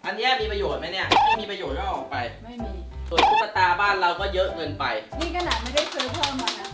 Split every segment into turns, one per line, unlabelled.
อันนี้มีประโยชน์ไหมเนี่ยไม่มีประโยชน์ก็เอาออกไป
ไม่มี
ส่วนตุ๊กตาบ้านเราก็เยอะเกินไป
นี่ขนาดไม่ได้ซื้อเพิ่มมานะ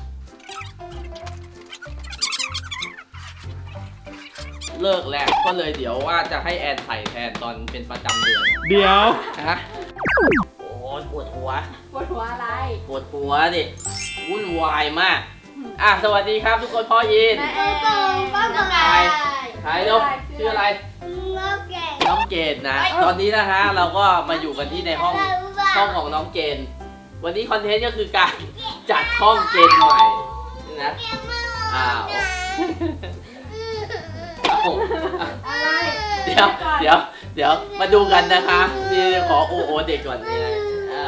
เลิกแล้วก็เลยเดี๋ยวว่าจะให้แอนใส่แทนตอนเป็นประจำเดือน
เดี๋ยว
ฮะโอ้ปวดหัว
อะไร
ปวดหัวดิวุ่นวายมากสวัสดีครับทุกคนพ่อยิน
แม่แอนน้อง
ไก่ใครลูกชื่ออะไรน้องเกดนะตอนนี้นะฮะเราก็มาอยู่กันที่ในห้องของน้องเกณฑ์วันนี้คอนเทนต์ก็คือการจัดห้องเกณฑ์ใหม่นะ
อะไร
เดี๋ยวมาดูกันนะคะนี่ขอโอเด็กก่อนนี่นะ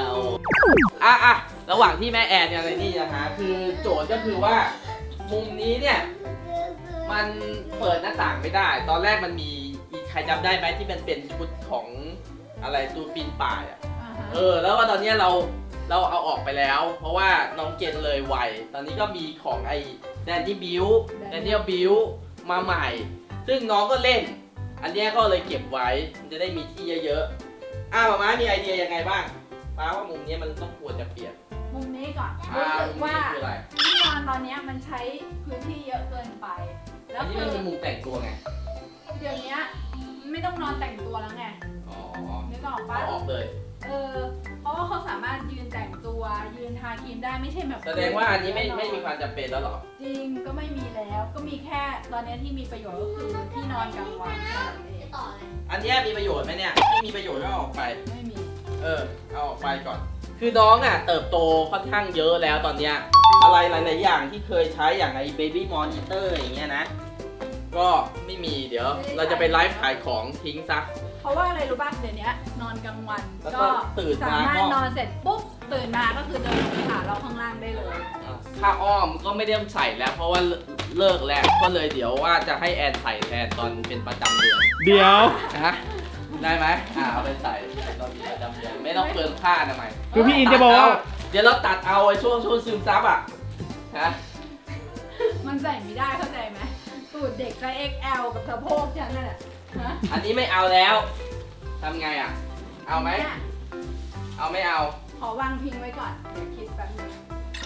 ระหว่างที่แม่แอนอะไรนี่นะคะคือโจทย์ก็คือว่ามุมนี้เนี่ยมันเปิดหน้าต่างไม่ได้ตอนแรกมันมีใครจำได้ไหมที่มันเป็นชุดของอะไรตูปีนป่ายแล้วว่าตอนนี้เราเอาออกไปแล้วเพราะว่าน้องเกณฑ์เลยไวตอนนี้ก็มีของไอ้แดนนี่บิวมาใหม่ซึ่งน้องก็เล่นอันนี้ก็เลยเก็บไว้มันจะได้มีที่เยอะๆม้ามีไอเดียยังไงบ้างม้าว่ามุมนี้มันต้องควรจะเปลี่ยน
มุมนี้ก่อนรู้สึกว่าที่นอนตอนนี้มันใช้พื้นที่เยอะเกินไป
แล้วที่มันเป็นมุมแต่งตัวไง
เดี๋ยวนี้ไม่ต้องนอนแต่งตัวแล้วไงนึกออกปะ
ออกเลย
เพราะว่าเขาสามารถยืนแต่งตัวยืนทาครีมได้ไม่ใช่แบบ
แสดงว่าอันนี้ไม่มีความจำเป็นแล้วหรอ
จริงก็ไม่มีแล้วก็มีแค่ตอนนี้ที่มีประโยชน์ก็คือที่นอนกลางวัน
อันนี้มีประโยชน์ไหมเนี่ยไม่มีประโยชน์ก็เอาออกไป
ไม่มี
เอาออกไปก่อนคือน้องเติบโตค่อนข้างเยอะแล้วตอนเนี้ยอะไรหลายๆอย่างที่เคยใช้อย่างไอ้ Baby Monitor อย่างเงี้ยนะก็ไม่มีเดี๋ยวเราจะไปไลฟ์ขายของทิ้งซะ
เพราะว่าอะไรรู้ป่ะเดี๋ยวนี้นอนกลางวันก็สามารถนอนเสร็จปุ๊บตื่นมาก็คือเดินลงไปหาเราข้างล่างได้เลย
ผ้าอ้อมก็ไม่ได้ใส่แล้วเพราะว่าเลิกแล้วก็เลยเดี๋ยวว่าจะให้แอนใส่แทนตอนเป็นประจำเดือน
เดี๋ยว
นะได้ไหมเอาไปใส่ตอนเป็นประจำเดือนไม่ต้องเปลืองผ้าทำไม
คือพี่อินจะบอกว่า
เดี๋ยวเราตัดเอาไอ้ช่วงซึมซับ
มันใส่ไม่ได้เข้าใจไหมตูดเด็กไซส์ XL กับสะโพกฉันนั่นแหละ
อันนี้ไม่เอาแล้วทำไงเอาไหมเอาไม่เอา
ขอวางพิงไว้ก่อนเดี๋ยวคิดแป๊บนึง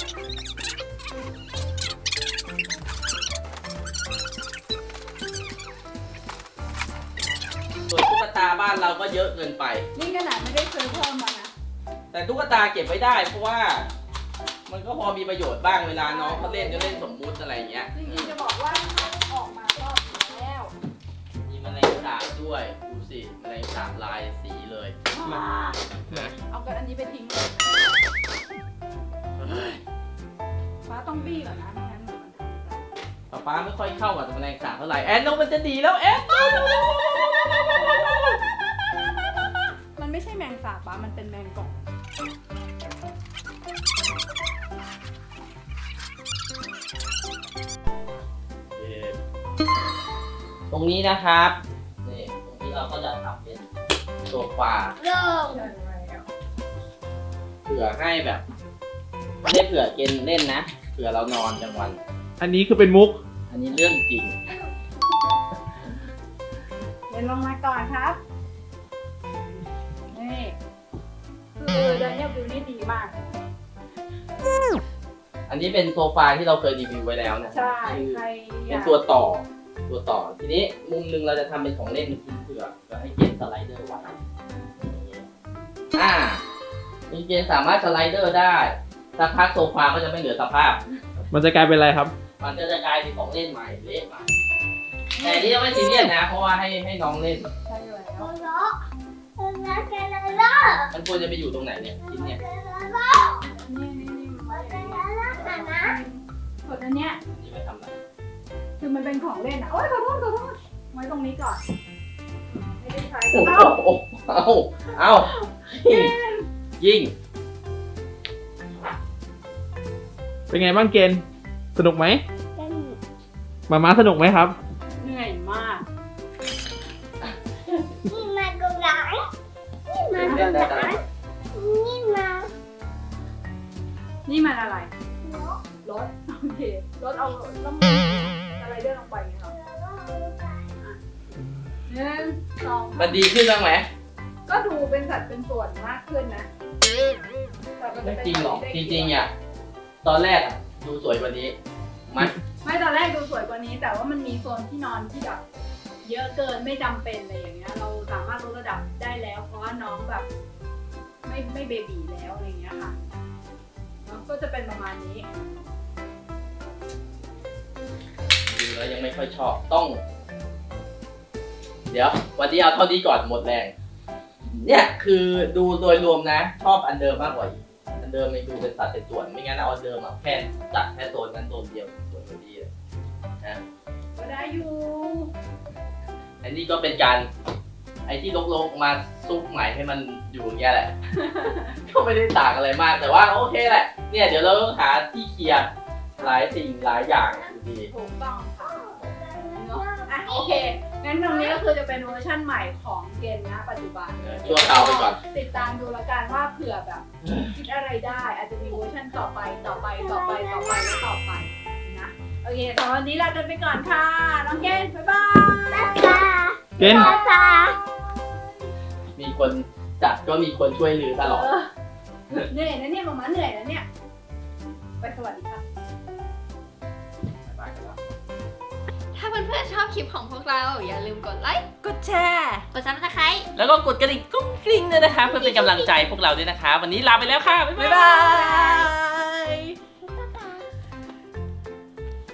ส่วนตุ๊กตาบ้านเราก็เยอะเกินไป
นี่ขนาดไม่ได้ซื้อเพิ่มมานะ
แต่ตุ๊กตาเก็บไว้ได้เพราะว่ามันก็พอมีประโยชน์บ้างเวลาน้องเขาเล่นก็เล่นสมมุติอะไรอย่างเงี้ย
จริงๆจะบอกว่าถ้าออกมาก็ดีแล้ว
มีแมลงสาบด้วยดูสิแมลงสาบลายสีเลย
เอากันอันนี้ไปทิ้งเลยฟ้าต้องบี้ก่อนนะไม่งั้นมัน
ป้าไม่ค่อยเข้ากับแมลงสาบเท่าไหร่แอนน้องมันจะดีแล้วแอน
มันไม่ใช่แมงสาบป้ามันเป็นแมงกอก
ตรงนี้นะครับนี่ตรงนี้เราก็จะทำเป็นโซฟาเผื่อให้แบบไม่ได้เผื่อเกณฑ์เล่นนะเผื่อเรานอนกลางวัน
อันนี้คือเป็นมุก
อันนี้เรื่องจริง
เดินลงมาก่อนครับนี่คือเดนเนียลวิวนี่ดีมาก
อันนี้เป็นโซฟาที่เราเคยรีวิวไว้แล้วนะ
ใช่
เป็นตัวต่อทีนี้มุมนึงเราจะทำเป็นของเล่นทิ้งเผื่อให้เกณฑ์สไลเดอร์ไว้มีเกณฑ์สามารถสไลเดอร์ได้สักพักโซฟาก็จะไม่เหลือสภาพ
มันจะกลายเป็นอะไรครับ
มันจะกลายเป็นของเล่นใหม่เล่นใหม่แต่นี่ยังไม่ซีเรียสนะเพราะว่าให้น้องเล่น
ใช่เลย
มันควรจะไปอยู่ตรงไหนเนี่ยชิ้นเนี่ย
ส่วนอันเนี้ย
นี่ไม่ทำอะไร
คือมันเป็นของเล่นโอ๊ยขอโทษไว้ตรงนี้ก่อนไม่ได้ใช้
เอายิง
เป็นไงบ้างเกณฑ์สนุกไหมมาสนุกไหมครับ
เหนื่อยมาก
นี่มากระไรนี่มากระไร
นี่มันอะไรรถโอเครถเอาต้องอะไรเดินลงไปไงครับ1 2
มันดีขึ้นบ้างไหม
ก็ดูเป็นสัดเป็นส่วนมากขึ้นนะแต่มัน
ไม่
จะเป็น
จริงหรอก
ได้
จริงๆอ่ะตอนแรกอ่ะดูสวยกว่านี้มัน
ไม่ตอนแรกดูสวยกว่านี้ แต่ว่ามันมีโซนที่นอนที่แบบเยอะเกินไม่จำเป็นอะไรอย่างเงี้ย เราสามารถลดระดับได้แล้ว เพราะว่าน้องแบบไม่เบบีแล้วอะไรอย่างเงี้ยค่ะแล้วก็จะเป็นประมาณนี้
ดูแล้วยังไม่ค่อยชอบต้อง เดี๋ยววันนี้เอาเท่านี้ก่อนหมดแรง เนี่ยคือดูโดยรวมนะ ชอบอันเดิมมากกว่าอีกอันเดิมมันดูเป็นสัดเป็นส่วนไม่งั้นเอาอันเดิมอ่ะแค่จัดแค่โซนนั้นโซนเดียวส่วนพอดีเลยนะ
ก็ได้อยู่
อันนี้ก็เป็นการไอ้ที่ลกๆมาซุกใหม่ให้มันอยู่อย่างเงี้ยแหละ ก็ไม่ได้ต่างอะไรมากแต่ว่าโอเคแหละเนี่ยเดี๋ยวเราต้องหาที่เคลียร์หลายสิ่งหลายอย่างอยู่ดี
ถูกต้องค่ะเนอะอ่ะโอเค งั้นตรงนี้ก็คือจะเป็นเวอร์ชั่นใหม่ของเกณฑ์นะปัจจุบัน
ชั่วคราวไปก่อน
ติดตามดูแล้วกันว่าเผื่อแบบคิดอะไรได้ อาจจะมีเวอร์ชั่นต่อไปและต่อไปนะ โอเคสำหรับวันนี้ลากันไปก่อนค่ะ น้องเกณฑ์บ๊ายบาย
เกณฑ์
มีคนจัดก็มีคนช่วยลือตลอด
เหนื่อยนะเนี่ยมาม่าเหนื่อยนะเนี่ย ไปสวัสดีค่ะ
ถ้าเพื่อนๆชอบคลิปของพวกเราอย่าลืมกดไลค์
กดแชร์
กดซับสไครต์
แล้วก็กดกระดิ่งกุ้งกริ้งด้วยนะคะ เพื่อเป็นกำลังใจพวกเราด้วยนะคะ วันนี้ลาไปแล้วค่ะ บ๊าย
บ๊าย
บา
บาย ย